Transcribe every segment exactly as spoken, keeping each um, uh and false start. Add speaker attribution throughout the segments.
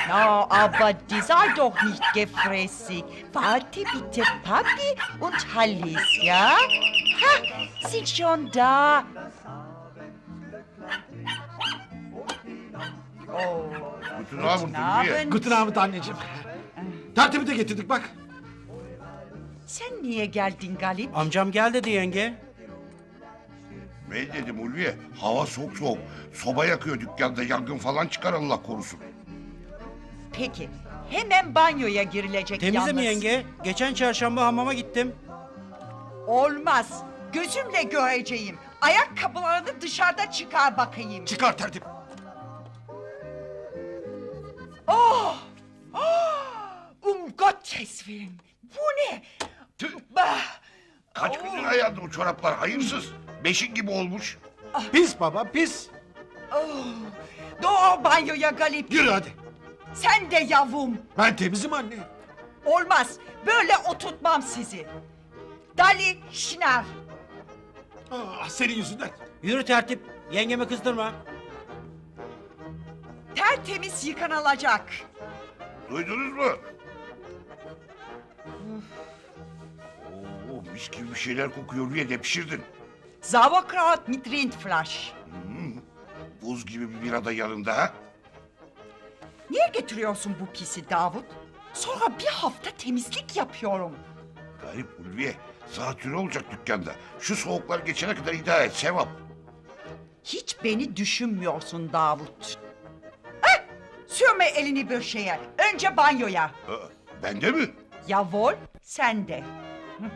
Speaker 1: Na, aber die sei doch nicht gefräßig. Warte bitte, Papi und Hallis, ja? Ha, sind schon da. Oh,
Speaker 2: Guten Abend
Speaker 1: guten
Speaker 2: Ulviye.
Speaker 1: Abend.
Speaker 3: Guten Abend anneciğim. Tertemi de getirdik bak.
Speaker 1: Sen niye geldin Galip?
Speaker 4: Amcam gel dedi yenge.
Speaker 2: Ne dedim Ulviye? Hava soğuk soğuk. Soba yakıyor dükkanda, yangın falan çıkar Allah korusun.
Speaker 1: Peki, hemen banyoya girilecek
Speaker 4: Temize
Speaker 1: yalnız.
Speaker 4: mi yenge? Geçen çarşamba hamama gittim.
Speaker 1: Olmaz. Gözümle göreceğim. Ayakkabılarını dışarıda çıkar bakayım.
Speaker 3: Çıkar tertip.
Speaker 1: Oh! Oh! Um Gottes Willen. Bu ne?
Speaker 2: Tüh!
Speaker 1: Bah!
Speaker 2: Kaç gündür ayağında o çoraplar hayırsız. Beşik gibi olmuş.
Speaker 3: Pis baba pis.
Speaker 1: Oh! Doğru banyoya Galip.
Speaker 3: Yürü hadi.
Speaker 1: Sen de yavrum.
Speaker 3: Ben temizim anne.
Speaker 1: Olmaz. Böyle oturtmam sizi. Dali Şınar.
Speaker 3: Ah, senin yüzünden.
Speaker 4: Yürü tertip. Yengemi kızdırma.
Speaker 1: Tertemiz yıkanılacak.
Speaker 2: Duydunuz mu? Oo, mis gibi bir şeyler kokuyor Ulviye, de pişirdin.
Speaker 1: Sauerkraut mit Rindfleisch.
Speaker 2: Buz gibi bir bira da yanında ha?
Speaker 1: Niye getiriyorsun bu pisi Davut? Sonra bir hafta temizlik yapıyorum.
Speaker 2: Garip Ulviye. Zatürre olacak dükkanda. Şu soğuklar geçene kadar idare et, sevap.
Speaker 1: Hiç beni düşünmüyorsun Davut. Heh, sürme elini bir şeye. Önce banyoya.
Speaker 2: Aa, bende mi?
Speaker 1: Yavol, sen de. Hı.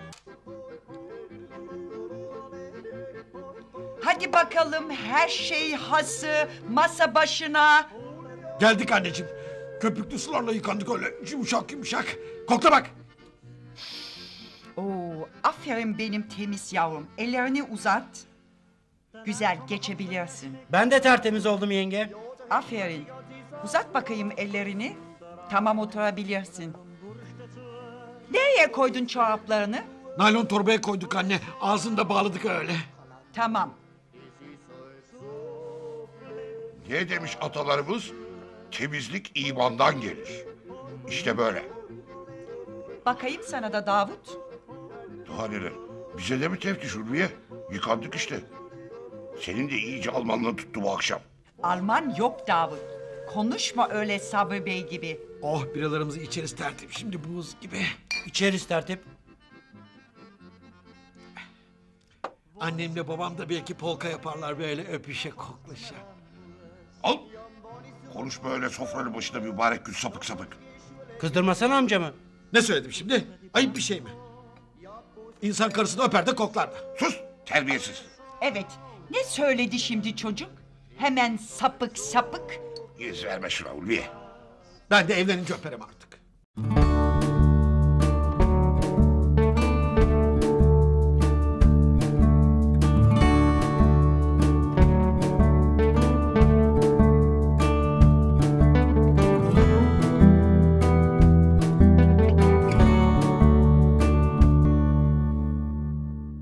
Speaker 1: Hadi bakalım, her şey hazır. Masa başına.
Speaker 3: Geldik anneciğim. Köpüklü sularla yıkandık öyle yumuşak yumuşak. Kokla bak.
Speaker 1: Oo, aferin benim temiz yavrum. Ellerini uzat. Güzel, geçebilirsin.
Speaker 4: Ben de tertemiz oldum yenge.
Speaker 1: Aferin. Uzat bakayım ellerini. Tamam, oturabilirsin. Nereye koydun çoraplarını?
Speaker 3: Naylon torbaya koyduk anne. Ağzını da bağladık öyle.
Speaker 1: Tamam.
Speaker 2: Ne demiş atalarımız? Temizlik imandan gelir. İşte böyle.
Speaker 1: Bakayım sana da Davut.
Speaker 2: Daha neler? Bize de mi teftiş Ulviye? Yıkandık işte. Senin de iyice Almanlığın tuttu bu akşam.
Speaker 1: Alman yok Davut. Konuşma öyle Sabri Bey gibi.
Speaker 3: Oh biralarımızı içeriz tertip. Şimdi buz gibi.
Speaker 4: İçeriz tertip.
Speaker 3: Annemle babam da belki polka yaparlar böyle öpüşe koklaşa.
Speaker 2: Al. Konuşma öyle sofranın başında mübarek gül sapık sapık.
Speaker 4: Kızdırmasana amcamı.
Speaker 3: Ne söyledim şimdi? Ayıp bir şey mi? İnsan karısını öper de koklar da.
Speaker 2: Sus terbiyesiz.
Speaker 1: Evet. Ne söyledi şimdi çocuk? Hemen sapık sapık.
Speaker 2: Yüz verme şuna Ulviye.
Speaker 3: Ben de evlenince öperim artık.